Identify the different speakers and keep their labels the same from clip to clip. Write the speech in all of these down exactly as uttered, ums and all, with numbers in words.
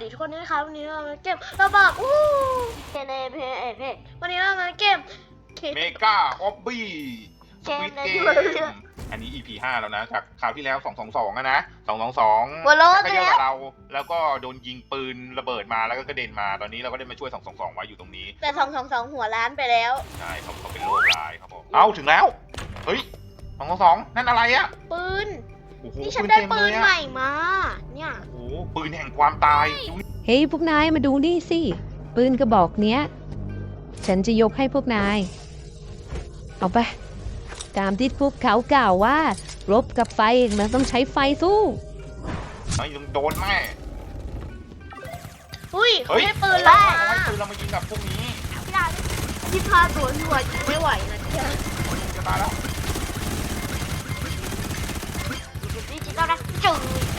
Speaker 1: ทุกคนด้วยนะคะวันนี้เรามาเก็บเราบอกอู้เกมในเพจเพจวันนี้เรามาเก็บ
Speaker 2: เมกาออบบี้สควิดเกมอันนี้ อี พี ห้าแล้วนะจากคราวที่แล้วสองสองสองอะนะสองสองสองก็เยอะกว่าเราแล้วก็โดนยิงปืนระเบิดมาแล้วก็กระเด็นมาตอนนี้เราก็ได้มาช่วยสองสองสองไว้อยู่ตรงนี้
Speaker 1: แต่สองสองสองหัวล้านไปแล้ว
Speaker 2: ใช่เขาเขาเป็นโรคร้ายครับผมเอ้าถึงแล้วเฮ้ยสองสองสองนั่นอะไรอะ
Speaker 1: ปืนนี่ฉันได้ปืนใหม่มาเนี่ย
Speaker 2: โอ้ปืนแห่งความตาย
Speaker 3: เฮ้ยพวกนายมาดูนี่สิปืนกระบอกเนี้ยฉันจะยกให้พวกนายเอาไปตามที่พวกเขากล่าวว่ารบกับไฟมันต้องใช้ไฟสู้
Speaker 2: ไม่ต้องโดนแม่
Speaker 1: อุ้ยเขาให้ปืนแล้ว
Speaker 2: ให้ปืนเรามายิงกับพวกนี้
Speaker 1: ไม่ได้ที่พาตัวหัวยิงไม่ไหวนะเจ้า
Speaker 2: จะตายแล้ว
Speaker 1: ดิจิตอลนะจุ๊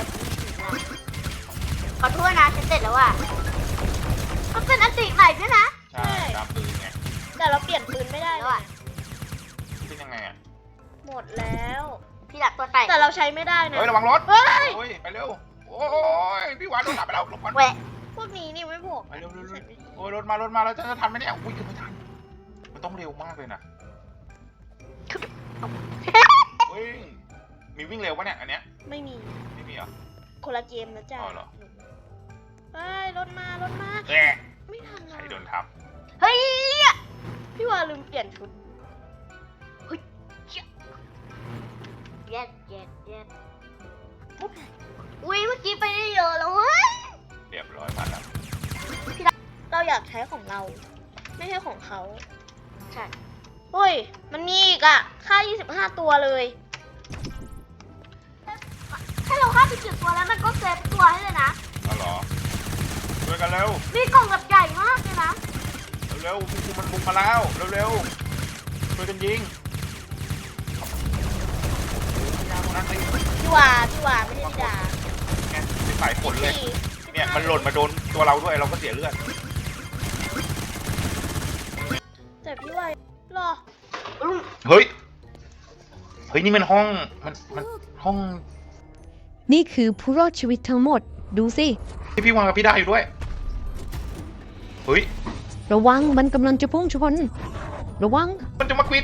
Speaker 1: ขอโทษนะฉันเสร็จแล้วอ่ะมันเป็นอันติใหม่ด้วยนะ
Speaker 2: ใช่ตามปืนไง
Speaker 1: แต่เราเปลี่ยนปืนไม่ได้แล้วอ่ะ
Speaker 2: เป็นยังไงอ่ะ
Speaker 1: หมดแล้วพี่หลักตัวแตกแต่เราใช้ไม่ได้นะ
Speaker 2: เฮ้ยระวังรถเฮ้ยไปเร็วโอ้ยพี่หวานโดนหลับไปแล้วหลบก่อน
Speaker 1: แหวะพวกนี้นี่ไม่พก
Speaker 2: ไปเร็วโอ้ยรถมารถมาแล้วจะทันไหมเนี่ยอุ้ยไม่ทันมันต้องเร็วมากเลยนะเฮ้ยมีวิ่งเร็วปะเนี่ยอันเนี้ย
Speaker 1: ไม่มี
Speaker 2: ไม่มีเหรอ
Speaker 1: คนละเกมนะจ๊ะ
Speaker 2: อ๋อเหรอ
Speaker 1: เฮ้ยรถมารถมาไม่ทัน
Speaker 2: ใครโดนทับ
Speaker 1: เฮ้ยพี่วาลืมเปลี่ยนชุดเฮ้ยเย็ดเย็ดเย็ดอุ้ยเมื่อกี้ไปได้เยอะแล้วเว้ย
Speaker 2: เรียบร้อยมาแล้ว
Speaker 1: เราอยากใช้ของเราไม่ใช่ของเขาใช่เฮ้ยมันมีอีกอ่ะค่ายี่สิบห้าตัวเลยถ้าเราฆ่าไปเจ็ดตัวแล้วมันก็เซฟตัวให้เลยนะ
Speaker 2: อ๋อเหรอช่วยกันเร็ว
Speaker 1: มีกล่องแบบใหญ่มากเลยนะ
Speaker 2: เร็วๆคุณมันบุกมาแล้วเร็วๆช่วยกันยิง
Speaker 1: พี่วาพี่วาไม่ได้ด่า
Speaker 2: ไงเป็นสายฝนเลยเนี่ยมันหล่นมาโดนตัวเราด้วยเราก็เสียเลือด
Speaker 1: แต่พี่วาหรอ
Speaker 2: เฮ้ยเฮ้ยนี่มันห้องมันมันห้อง
Speaker 3: นี่คือผู้รอดชีวิตทั้งหมดดูสิ
Speaker 2: ที่พี่วางกับพี่ได้อยู่ด้วยเฮ้ย
Speaker 3: ระวังมันกำลังจะพุ่งชนระวัง
Speaker 2: มันจะมาควิด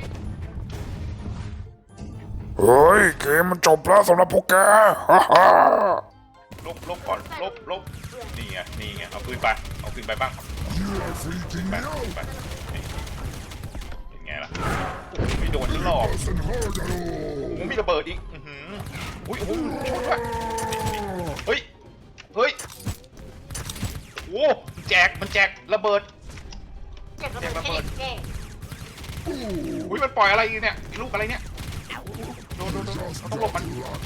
Speaker 4: เฮ้ยเกมมันจบแล้วสำหรับพวกแกฮ่าฮ่า
Speaker 2: ลบลบก่อนลบลบนี่ไงนี่ไงเอาปืนไปเอาปืนไปบ้างไปไปเป็นไงล่ะไม่โดนจะหลอกโอ้มีระเบิดอีกอือหืออุ้ยโอ้โหชนด้วยเฮ้ยเฮ้ยโอ้แจกมันแจกระเบิด
Speaker 1: แจกระเบิด
Speaker 2: อุ้ยมันปล่อยอะไรเนี่ยลูกอะไรเนี่ยโดนโดนโดนต้องหลบมัน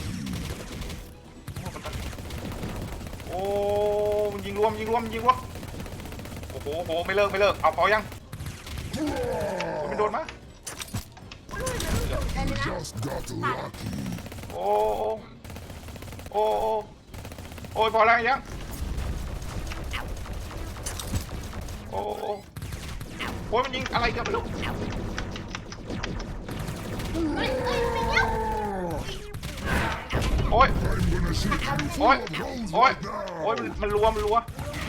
Speaker 2: โอ้มันยิงรวมยิงรวมยิงรวมโอ้โหโหไม่เลิกไม่เลิกเอาพอยังมันโดนมั้ยโอ้โอ้โอ้ยพอแล้วยังโอ้โอ้ยมันยิงอะไรกันไม่รู้โอ้ยโอ้ยโอ้ยโอ้ยมันรัวมันรัว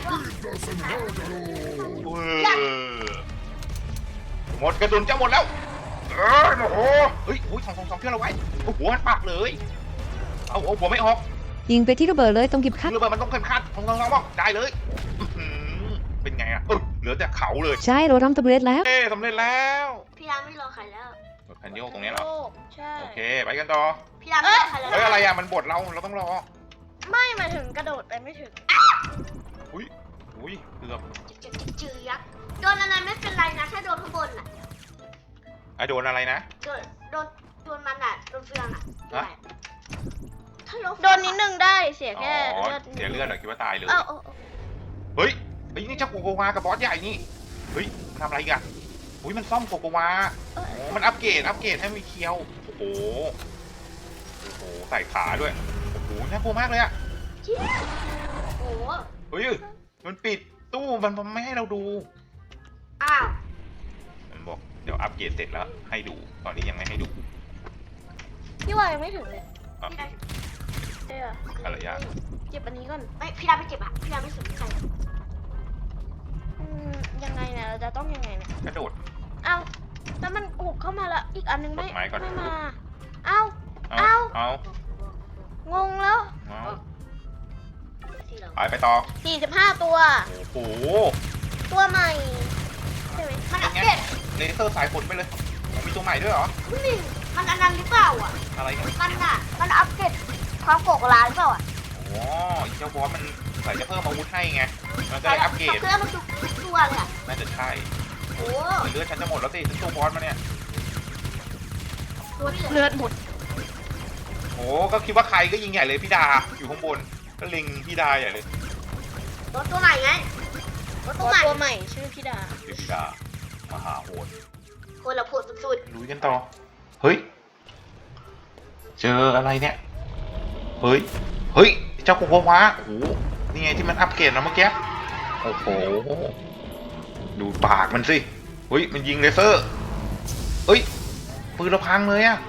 Speaker 2: หมดกระสุนจะหมดแล้วเออโอ้โหเฮ้ยโอ้ยสองสองสองเพื่อนเราไว้โอ้โหมันปักเลยเอาเอาหัวไม่ออก
Speaker 3: ยิงไปที่ระเบิดเลยต้องเก็บคัด
Speaker 2: ระเบิดมันต้องเก็บคัดสองสองสองบอกได้เลยเป็นไงอ่ะเหลือแต่เขาเลย
Speaker 3: ใช่เราทำสำเร็จแล้ว
Speaker 2: เอ๊สำเร็จแล้ว
Speaker 1: พี่รามไม่รอใครแล้ว
Speaker 2: แผ่นโยกตรงนี้เหรอ
Speaker 1: ใช่
Speaker 2: โอเคไปกันต่อ
Speaker 1: พี่รามไม่รอใครแล้ว
Speaker 2: เฮ้ยอะไรอ่ะมันบดเราเราต้องรอ
Speaker 1: ไม่มาถึงกระโดดไปไม่ถึง
Speaker 2: อุ้ยอุ้ยเกือบ
Speaker 1: จืดยักษ์โดนอะไรไม่เป็นไรนะถ้าโดนข้างบนอ่ะ
Speaker 2: ไอโดนอะไรนะ
Speaker 1: โดนโดนโดนมันอ่ะโดนเฟืองอ่ะโดนนิดนึงได้เสียแค่เลือด
Speaker 2: เสียเลือดเหรอคิดว่าตายเลย
Speaker 1: เฮ้
Speaker 2: ยเฮ้ยนี่เจ้าโกโกวากับบอสใหญ่นี่เฮ้ยทำอะไรกันอุ้ยมันซ่อมโกโกวาโอ้มันอัปเกรดอัปเกรดให้มีเคียวโอ้โหโอ้โหใส่ขาด้วยโอ้โหน่ากลัวมากเลยอะ
Speaker 1: โอ้โห
Speaker 2: เฮ้ยมันปิดตู้มันไม่ให้เราดู
Speaker 1: อ้าว
Speaker 2: มันบอกเดี๋ยวอัปเกรดเสร็จแล้วให้ดูตอนนี้ยังไม่ให้ดู
Speaker 1: พี่วายยังไม่ถึงเลยเออ
Speaker 2: อะไรยาก
Speaker 1: เจ็บอันนี้ก่อนไม่พี่ดาไม่เจ็บอ่ะพี่ดาไม่สนใจต้องยังไงเนี่ย
Speaker 2: กระโดด
Speaker 1: เอ้าแล้วมันหุบเข้ามาแล้วอีกอันนึงไม่
Speaker 2: กดไม้ก่อน
Speaker 1: ไม่มา เอ้า
Speaker 2: เอา
Speaker 1: เอ้า
Speaker 2: เอา
Speaker 1: งงแล้ว
Speaker 2: เอาไปไปต่อ
Speaker 1: สี่สิบห้าตัว
Speaker 2: โอ้โห
Speaker 1: ตัวใหม่ใช่ไหมมันอัปเดต
Speaker 2: เลเซอร์สายฝนไปเลยมีตัวใหม่ด้วยเหรอ
Speaker 1: นี่มันอันนั้นหรือเปล่าอ่ะ
Speaker 2: อะไรกัน
Speaker 1: มันอ่ะมันอัปเดตความโกกลาหรือเปล่าอ่ะ
Speaker 2: อ๋อไอ้เจ้าบอสมันใส่จะเพิ่มอาวุธให้ไงมันก็เลยอัปเกรด
Speaker 1: เครื่องมันทุกตัวเลยอ่ะ
Speaker 2: น่าจะใช่
Speaker 1: โอ้
Speaker 2: เลือดฉันจะหมดแล้วสิฉันตัวบอสมาเนี่ย
Speaker 1: ตัวเลือดหมด
Speaker 2: โอ้ก็คิดว่าใครก็ยิงใหญ่เลยพี่ดาอยู่ข้างบนก็เล็งพี่ดาใหญ่เลย
Speaker 1: รถตัวใหม่ไงรถตัวใหม่ตัวใหม่ชื่อพี่ดา
Speaker 2: คือพี่ดามหาโหด
Speaker 1: คนละโผดสุด
Speaker 2: ลุยกันต่อเฮ้ยเจออะไรเนี่ยเฮ้ยเฮ้ยเจ้าโคโควะโอ้โหนี่ไงที่มันอัปเกรดนะเมื่อกี้โอ้โหดูปากมันสิเฮ้ยมันยิงเลเซอร์เฮ้ยปืนเราพังเลยอะ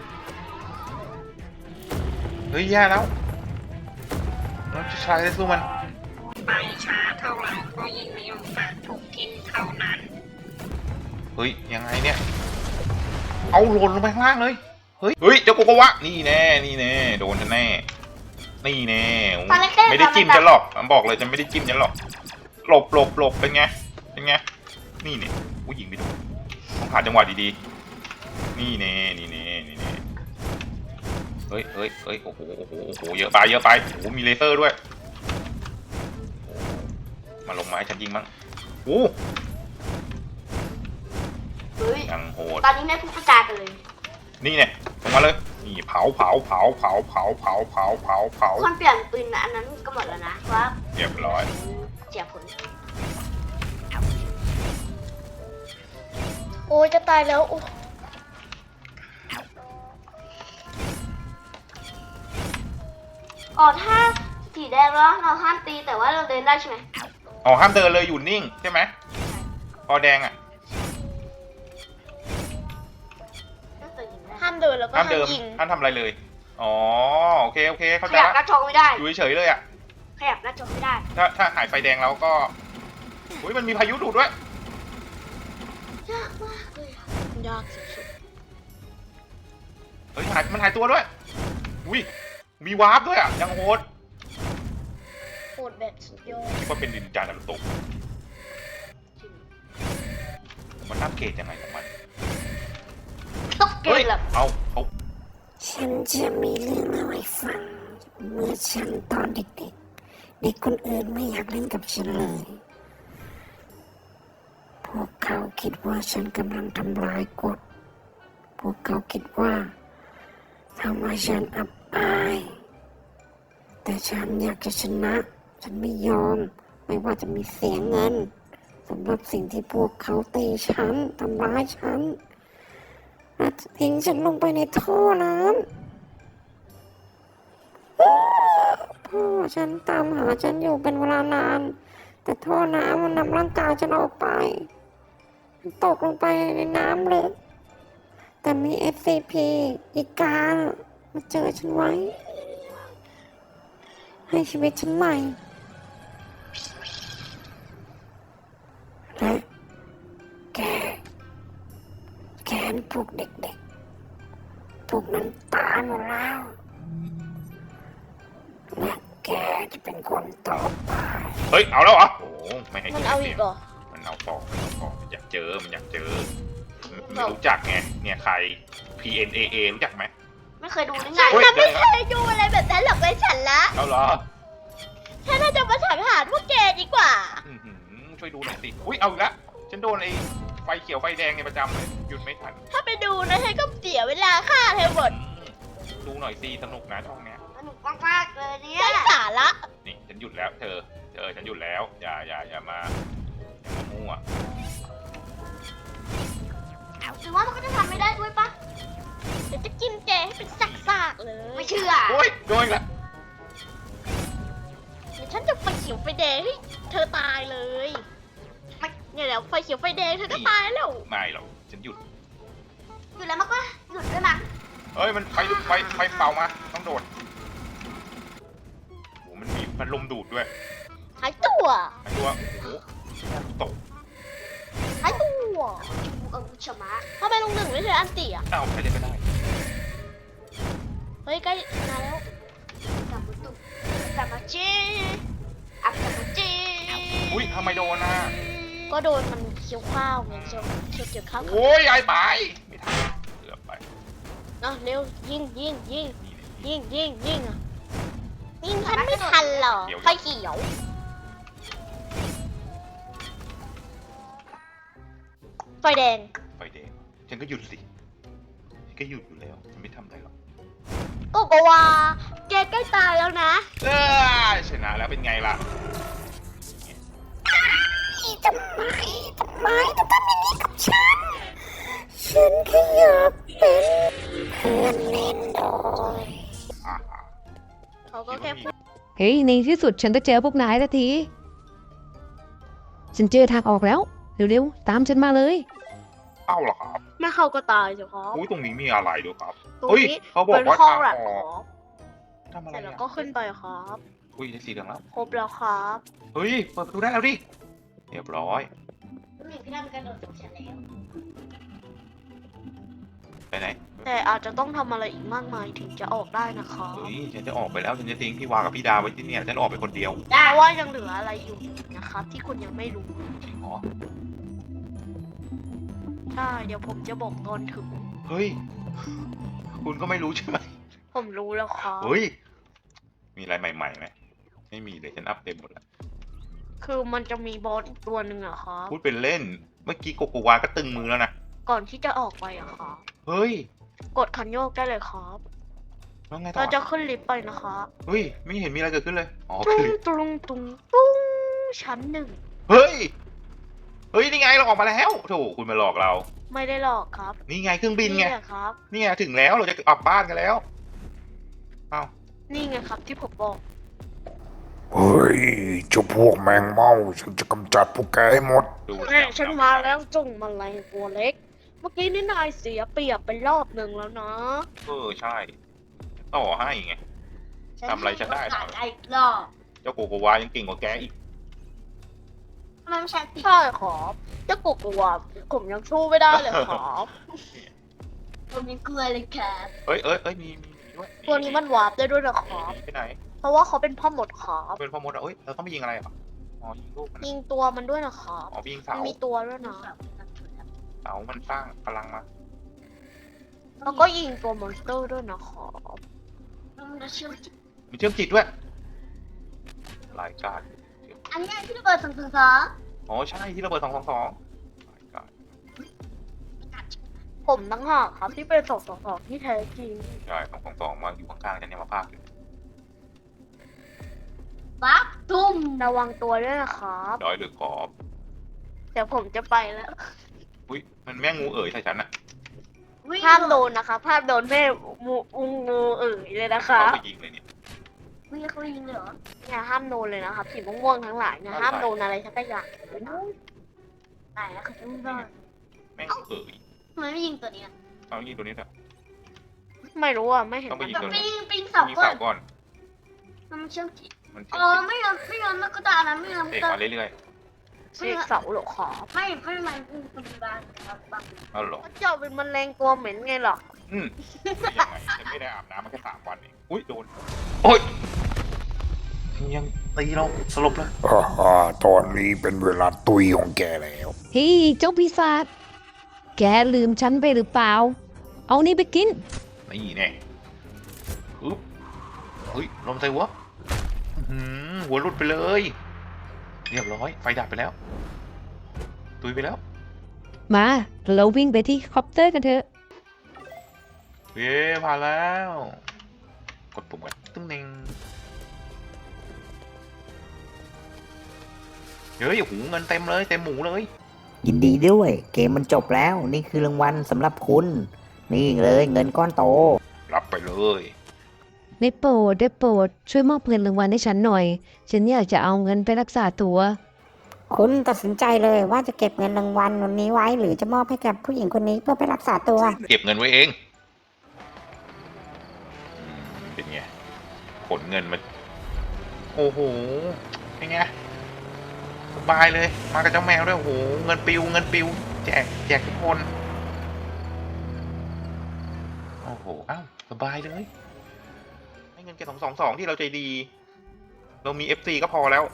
Speaker 2: เฮ้ยแย่แล้วเราจะใช้ได้สู้มัน
Speaker 5: ไปช้าเท่าไหร่ก็ยิ่งมีโอกาสถูกกินเท่านั้น
Speaker 2: เฮ้ยยังไงเนี่ยเอาหล่นลงไปข้างล่างเลยเฮ้ยเฮ้ยเจ้าโกโกวะนี่แน่นี่แน่โดนฉันแน่นี่แน่ไม่ได้จิ้มฉันหรอกผมบอกเลยจะไม่ได้จิ้มฉันหรอกหลบหลบหลบเป็นไงเป็นไงนี่เนี่ยผู้หญิงไปดูต้องหาจังหวะดีๆนี่แน่นี่แน่นี่แน่เฮ้ยเฮ้ยเฮ้ยโอ้โหโอ้โหโอ้โหเยอะไปเยอะไปโอ้โหมีเลเซอร์ด้วยมาลงมาให้ฉันยิงบ้างโอ้
Speaker 1: ๆเฮ้ย
Speaker 2: ยังโหด
Speaker 1: ตอนนี้ไม่พูดประจากันเลย
Speaker 2: นี่เนี่ยลงมาเลยนี่เผาเผาเผาเผาเผาเผาเผาเผาเผา
Speaker 1: คนเปลี่ยนปืนอันนั้นก็หมดแล้วนะว่า
Speaker 2: เรียบร้อย
Speaker 1: เสียผลโอ้ยจะตายแล้วโอ้อ๋อถ้าสีแดงแล้วเราห้ามตีแต่ว่าเราเดินได้ใช่ไหม
Speaker 2: อ๋อห้ามเดินเลยอยู่นิ่งใช่ไหมพอแดงอ่ะ
Speaker 1: ห้ามเดินแล้วก็
Speaker 2: ห้าม
Speaker 1: ห้าม
Speaker 2: เดิม
Speaker 1: ยิง
Speaker 2: ห้ามทำอะไรเลยอ๋อโอเคโอเคเข้า
Speaker 1: ข
Speaker 2: ใจ
Speaker 1: ยับห
Speaker 2: ละ
Speaker 1: น้าจอไม่ได้
Speaker 2: อยู่เฉยๆเลยอ่ะ
Speaker 1: ขยับหน้าจอไม่ได้
Speaker 2: ถ้าถ้าหายไฟแดงแล้วก็อุ้ยมันมีพายุดูดด้วย
Speaker 1: ยากมากเลยอะยากสุด
Speaker 2: เฮ้ยหายมันหายตัวด้วยอุ้ยมีวาร์ปด้วยอ่ะยังโหด
Speaker 1: ๆโหดแบบสุดยอด
Speaker 2: คิดว่าเป็นดินจานารุโตะมันอัปเกรดยังไงของมัน
Speaker 1: ต้องเก
Speaker 2: เฮ้ย
Speaker 1: มแบบ
Speaker 2: เอาเอา
Speaker 5: ฉันจะมีเรื่องเล่าให้ฟัง เมื่อฉันตอนเด็กๆ เด็กคนอื่นไม่อยากเล่นกับฉันเลย พวกเขาคิดว่าฉันกำลังทำลายกฎ พวกเขาคิดว่าทำให้ฉันอับอาย แต่ฉันอยากจะชนะ ฉันไม่ยอม ไม่ว่าจะมีเสียเงินสำหรับสิ่งที่พวกเขาตีฉันทำร้ายฉันและทิ้งฉันลงไปในท่อน้ำพ่อฉันตามหาฉันอยู่เป็นเวลานาน แต่ท่อน้ำมันนำร่างกายฉันออกไปฉันตกลงไปในน้ำลึกแต่มี เอส ซี พี อีกามาเจอฉันไว้ ให้ชีวิตฉันใหม่และแก แกนพวกเด็กๆ พวกนั้นตายหมดแล้ว และแกจะเป็นคนต่อไป
Speaker 2: เฮ้ยเอาแล้วเหรอโอ้ไม่ให้
Speaker 1: มัน
Speaker 2: กิน
Speaker 1: เอา
Speaker 2: เสี
Speaker 1: อี
Speaker 2: ย
Speaker 1: ก
Speaker 2: ง
Speaker 1: เหรอ
Speaker 2: มันเอาต่อมันเอาต่อมันอยากเจอมันอยากเจอไม่รู้จักไงเนี่ยใคร พี เอ็น เอ เอ รู้จักไหม
Speaker 1: ไม่เคยดูหรือไง
Speaker 2: เฮ้ย
Speaker 1: ฉันไม่เคยดูอะไรแบบนั้นหรอกเลยฉันละ
Speaker 2: เอาเหรอ
Speaker 1: ฉันน่าจะมาสังหารพวกแกดีกว่า
Speaker 2: อื้อหือช่วยดูหน่อยสิอุ้ยเอาอีกแล้วฉันโดนไอ้ไฟเขียวไฟแดงในประจำเลยหยุดไม่ทัน
Speaker 1: ถ้าไปดูนะฉันก็เสียเวลาค่าเธอหมด
Speaker 2: อืมดูหน่อยสิสนุกนะช่องเนี้ย
Speaker 1: สนุกมากๆเลยเนี่ยได้สาระ
Speaker 2: นี่ฉันหยุดแล้วเธอเธอฉันหยุดแล้วอย่าอย่าอย่ามาอย่ามามั่ว
Speaker 1: หรือว่ามันก็จะทำไม่ได้ด้วยปะเดี๋ยวจะกินแกให้เป็นซากๆเลย ไม่เชื่อ
Speaker 2: โอ้ยโดนอีกแล้ว
Speaker 1: เดี๋ยวฉันจะไฟเขียวไฟแดงให้เธอตายเลยไม่เนี่ยเดี๋ยวไฟเขียวไฟแดงเธอก็ตายแล้ว
Speaker 2: ไม่หรอกฉันหยุด
Speaker 1: หยุดแล้วมันก็หยุดด้วยมั้ง
Speaker 2: เอ้ยมันไฟไฟไฟเป่ามาต้องโดดโอ้มันมีพัดลมดูดด้วย
Speaker 1: หายตัว
Speaker 2: ไอ้ตัวโอ้โหตก
Speaker 1: หายตัวเหรอเออชมะทำไมลุงหนึ่งไม่ใช่อันติอ่ะ
Speaker 2: เอ้าใครเล่นไม่ได้
Speaker 1: เฮ้ยใกล้มาแล้วกลับมาตุกกลับมาจีอักกลับมาจี
Speaker 2: อุ้ยทำไมโดนอ่ะ
Speaker 1: ก็โดนมันเคี้ยวข้าวไงเคี้ยวเคี้ยวเกี่ยวข้าว
Speaker 2: โอ้ยไอ้ไปไม่ทันเกือบไป
Speaker 1: เนาะเร็วยิงยิงยิง
Speaker 2: นี่เลย
Speaker 1: ยิงยิงยิงอ่ะยิงทันไม่ทันหรอไฟเขียวไฟแดง
Speaker 2: ไฟแดงฉันก็หยุดสิฉันก็หยุดอยู่แล้วฉันไม่ทำอะไรหรอก
Speaker 1: โกโกวาแกใกล้ตายแล้วนะ
Speaker 2: เออชนะแล้วเป็นไงล่ะ
Speaker 5: ทำไมทำไมต้องทำอย่างนี้กับฉัน ฉันแค่อยากเป็นเพื่อนเล่นด้วย
Speaker 2: อ่า
Speaker 1: เขาก็แค่พูด
Speaker 3: เฮ้ยในที่สุดฉันจะเจอพวกนายแล้วที ฉันเจอทางออกแล้ว เร็วๆ ตามฉันมาเลย
Speaker 2: เอ้าเหรอครับ
Speaker 1: ไม่เข้าก็ตายเฉพาะ
Speaker 2: อุ้ยตรงนี้มีอะไรด้วยครับ
Speaker 1: ตรง
Speaker 2: เฮ้ย
Speaker 1: นี้
Speaker 2: เขาบอก
Speaker 1: เป็น
Speaker 2: ว่า
Speaker 1: ห้อง
Speaker 2: ทาง
Speaker 1: แลบ
Speaker 2: อ
Speaker 1: ค
Speaker 2: อ
Speaker 1: รั
Speaker 2: ก
Speaker 1: บ
Speaker 2: ทำอะ
Speaker 1: เส
Speaker 2: ไร
Speaker 1: ร็จแล้ว
Speaker 2: อ่ะ
Speaker 1: ก็ขึ้นไปครับ
Speaker 2: อุ้ยได้สีเหลืองแล้ว
Speaker 1: ครบแล้วครับ
Speaker 2: เฮ้ยเปิดประตูได้แล้วดิเรียบร้อย
Speaker 1: พี่ทำกระโดดของฉันแล้ว
Speaker 2: ไปไหน
Speaker 1: แต่อาจจะต้องทำอะไรอีกมากมายถึงจะออกได้นะครับ
Speaker 2: เฮ้ยฉันจะออกไปแล้วฉันจะทิ้งพี่วากับพี่ดาไว้ที่เนี่ยฉันออกไปคนเดียว
Speaker 1: เพราะว่ายังเหลืออะไรอยู่นะครับ ที่คุณยังไม่รู้
Speaker 2: จริงเหรอ
Speaker 1: ใช่เดี๋ยวผมจะบอกตอนถึง
Speaker 2: เฮ้ยคุณก็ไม่รู้ใช่ไหม
Speaker 1: ผมรู้แล้วครับ
Speaker 2: เฮ้ยมีอะไรใหม่ๆไหมไม่มีเลยฉันอัพเต็มหมดแล้ว
Speaker 1: คือมันจะมีบอสอีกตัวหนึ่งอะครับ
Speaker 2: พูดเป็นเล่นเมื่อกี้โกโกวาก็ตึงมือแล้วนะ
Speaker 1: ก่อนที่จะออกไปอะครับ
Speaker 2: เฮ้ย
Speaker 1: กดคันโยกได้เลยครับ
Speaker 2: แล้วไงต่
Speaker 1: เรา
Speaker 2: อ
Speaker 1: จะขึ้นลิฟต์ไปนะครับ
Speaker 2: เฮ้ยไม่เห็นมีอะไรเกิดขึ้นเลยอ๋อ
Speaker 1: ตุ้
Speaker 2: คื
Speaker 1: ง
Speaker 2: อ
Speaker 1: ตุ้งตุ้งตุ้งชั้นหนึ่ง
Speaker 2: เฮ้ยเฮ้ยนี่ไงเราออกมาแล้วโถคุณมาหลอกเรา
Speaker 1: ไม่ได้หลอกครับ
Speaker 2: นี่ไงเครื่องบินไง
Speaker 1: แหละครับ
Speaker 2: นี่ไงถึงแล้วเราจะกลับบ้านกันแล้วเอ้า
Speaker 1: นี่ไงครับที่ผมบอก
Speaker 4: เฮ้ยเจ้าพวกแมงเม่าฉันจะกำจัดพวกแกให้หมด
Speaker 2: ดู
Speaker 1: แม่ฉันมาแล้วจงมาลัยตัวเล็ก เมื่อกี้นี่นายเสียเปรียบไปรอบหนึ่งแล้วนะ
Speaker 2: เออใช่ ต่อให้ไง ทำอะไรฉันได้เหรอ
Speaker 1: อีกรอบ
Speaker 2: เจ้าโกโกวายังเก่งกว่าแกอีก
Speaker 1: มันใช่ใช่ครับเจ้ากุกวัวผมยังสู้ไม่ได้เลยครับผมยังกลัวเลยครับ
Speaker 2: เอ้ยเอ้ยเอ้ยมีมีมีด้วย
Speaker 1: ตัวนี้มันวาร์ปได้ด้วยนะครับ
Speaker 2: ไปไหน
Speaker 1: เพราะว่าเขาเป็นพ่อหมดครับ
Speaker 2: เป็นพ่อมดอ่ะเอ้ยเราต้องไปยิงอะไรอ่ะอ๋อยิงลูกมัน
Speaker 1: ยิงตัวมันด้วยนะครับ
Speaker 2: อ๋อไปยิง
Speaker 1: มั
Speaker 2: เสาน
Speaker 1: มีตัวด้วยนะ
Speaker 2: เสามันสร้างพลังมา
Speaker 1: แล้วก็ยิงตัวมอนสเตอร์ด้วยนะครับ
Speaker 2: มีเชื่อมจิตด้วยรายการ
Speaker 1: อันนี้ที่ระเบิดสองสองสอง
Speaker 2: อ๋อใช่ที่ระเบิดสองสองสองรายการ
Speaker 1: ผมตั้งหากครับที่เป็นสองสองสองที่แท้จริง
Speaker 2: ใช่สองสองสองมาอยู่ข้างๆฉันเนี่ยมาพากอยู่
Speaker 1: ปั๊บตุ้มระวังตัวด้วยนะครับ
Speaker 2: ร้อยหรือขอบ
Speaker 1: เดี๋ยวผมจะไปแล้ว
Speaker 2: อุ้ยมันแม่งูเอ๋ยใส่ฉันอ่ะ
Speaker 1: ห้ามโดนนะคะห้ามโดนแม่มูอุงงูเอ๋ยเลยนะคะ
Speaker 2: เขาไปยิงเลยเนี่ย
Speaker 1: ไม่เขายิงเลยเหรอเนี่ยห้ามโดนเลยนะครับสีม่วงๆทั้งหลายเนี่ยห้ามโดนอะไรสักอย่างเลยนะไหนอะเขาจะไม่ได้
Speaker 2: แม่งูเอ๋ย
Speaker 1: ทำไมไม่ยิงตัวนี้
Speaker 2: เอายิงตัวนี้เถอะ
Speaker 1: ไม่รู้อ่ะไม่เห็น
Speaker 2: ต้องไปยิงตัว
Speaker 1: ไป
Speaker 2: นี้
Speaker 1: ยิงปิง
Speaker 2: ยิ
Speaker 1: เสาง ก่อ
Speaker 2: เสาน ก่อน
Speaker 1: มันเชื่อมจิต
Speaker 2: มันเชื่
Speaker 1: อ๋
Speaker 2: อ
Speaker 1: อ
Speaker 2: มจิต
Speaker 1: ไม่ยอมไม่ยอมมันก็ตานะไม่ยอม
Speaker 2: เสกมาเรื่อย
Speaker 1: เสกเสาหรอขอไม่ไม่มันเป็นบางบาง
Speaker 2: ๆเอาเหรอ
Speaker 1: เจ้าเป็นแมลงตัวเหม็นไงหรอ
Speaker 2: อืมยังไงฉันไม่ได้อาบน้ำมาแค่สามวันเองอุ้ยโดนโอ้ยยังตีเราสลบเลย
Speaker 4: อ่าฮ่าตอนนี้เป็นเวลาตุยของแกแล้ว
Speaker 3: เฮ้ยเจ้าปีศาจแกลืมฉันไปหรือเปล่า เอานี่ไปกิน
Speaker 2: นี่แน่ฮึบเฮ้ยลมใส่หัวอื้อหือหัวหลุดไปเลย เรียบร้อยไฟดับไปแล้ว ตุยไปแล้ว
Speaker 3: มาเราวิ่งไปที่คอปเตอร์กันเถอะ
Speaker 2: เย้ผ่านแล้ว กดปุ่มกันตึ้งเน่งเฮ้ยโอ้โหเงินเต็มเลยเต็มหมูเลย
Speaker 6: ยินดีด้วย เกมมันจบแล้ว นี่คือรางวัลสำหรับคุณ นี่เลยเงินก้อนโต
Speaker 2: รับไปเลย
Speaker 3: ได้โปรดได้โปรดช่วยมอบเงินรางวัลให้ฉันหน่อย ฉันอยากจะเอาเงินไปรักษาตัว
Speaker 5: คุณตัดสินใจเลยว่าจะเก็บเงินรางวัลวันนี้ไว้ หรือจะมอบให้กับผู้หญิงคนนี้เพื่อไปรักษาตัว
Speaker 2: เก็บเงินไว้เองอืมเป็นไงขนเงินมาโอ้โหเป็นไงสบายเลย มากับเจ้าแมวด้วยโอ้โหเงินปิวเงินปิวแจกแจกทุกคน โอ้โห อ้าว สบายเลย ให้เงินแค่สองสองสองที่เราใจดี เรามี เอฟ ซี ก็พอแล้ว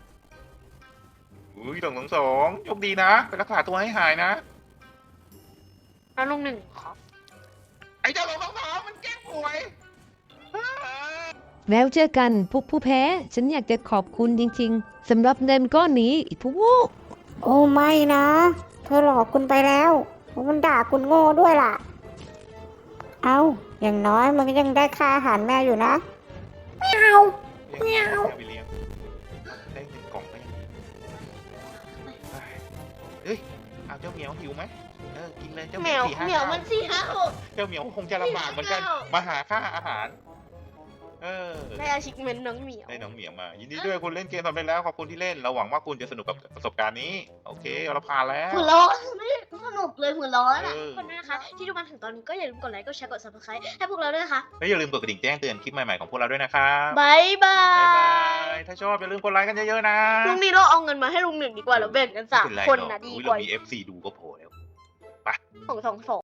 Speaker 2: อุ้ยสองสองสองโชคดีนะ ไปรักษาตัวให้หายนะ
Speaker 1: แล้วลุงหนึ่งขอ
Speaker 2: ไอ้เจ้าสองสองสองมันแกล้งป่วย
Speaker 3: แล้วเจอกันพวกผู้แพ้ ฉันอยากจะขอบคุณจริงๆสำหรับเงินก้อนนี้อีกพวก
Speaker 5: โอ้ไม่นะ เธอหลอกคุณไปแล้วมันด่าคุณโง่ด้วยล่ะ เอาอย่างน้อยมันก็ยังได้ค่าอาหารแม่อยู่นะ
Speaker 2: ไม่เอาไม่เอาไปเลี้ยงได้หนึ่งกล่องก็ยังดีเฮ้ย เอาเจ้าเหมียวหิวไหมเออ กินเลยเจ้าเห
Speaker 1: เห
Speaker 2: มี
Speaker 1: มี
Speaker 2: ย
Speaker 1: ยว
Speaker 2: สี่ห้า
Speaker 1: เหมียว
Speaker 2: เก้า
Speaker 1: มันสี่ห้าหก
Speaker 2: เจ้าเหมียวคงจะลำบากเหมือนกัน
Speaker 1: สี่ห้าเก้าม
Speaker 2: มาหาค่าอาหาร เออ
Speaker 1: ได้อาชิกเมนน้องเหมียว
Speaker 2: ได้น้องเหมียวมา ยินดีด้วยคุณเล่นเกมสำเร็จแล้ว ขอบคุณที่เล่น เราหวังว่าคุณจะสนุกกับประสบการณ์นี้ โอเค เราผ่านแล้ว
Speaker 1: หัวร้อนไม่ได้สนุกเลยหัวร้อนอ่ะ
Speaker 2: เออ
Speaker 1: คนด้วยนะคะ ที่ดูมาถึงตอนนี้ก็อย่าลืมกดไลค์ กดแชร์ กด ซับสไครบ์ ให้พวกเราด้วยนะคะ
Speaker 2: และอย่าลืมกดกระดิ่งแจ้งเตือนคลิปใหม่ๆของพวกเราด้วยนะครับ
Speaker 1: บายบา
Speaker 2: บ๊ายบาย
Speaker 1: ย
Speaker 2: ถ้าชอบอย่าลืมกดไลค์กันเยอะๆนะ
Speaker 1: ลุงนี้เราเอาเงินมาให้ลุงหนึ่งดีกว่าเราแบ่งกันสาม
Speaker 2: ไเป็ไร
Speaker 1: คน
Speaker 2: หรอก
Speaker 1: นะดี
Speaker 2: อุ๊ย
Speaker 1: กว่า
Speaker 2: เรามี เอฟ ซี ดูก็พอแล้ว
Speaker 1: ของสองสอง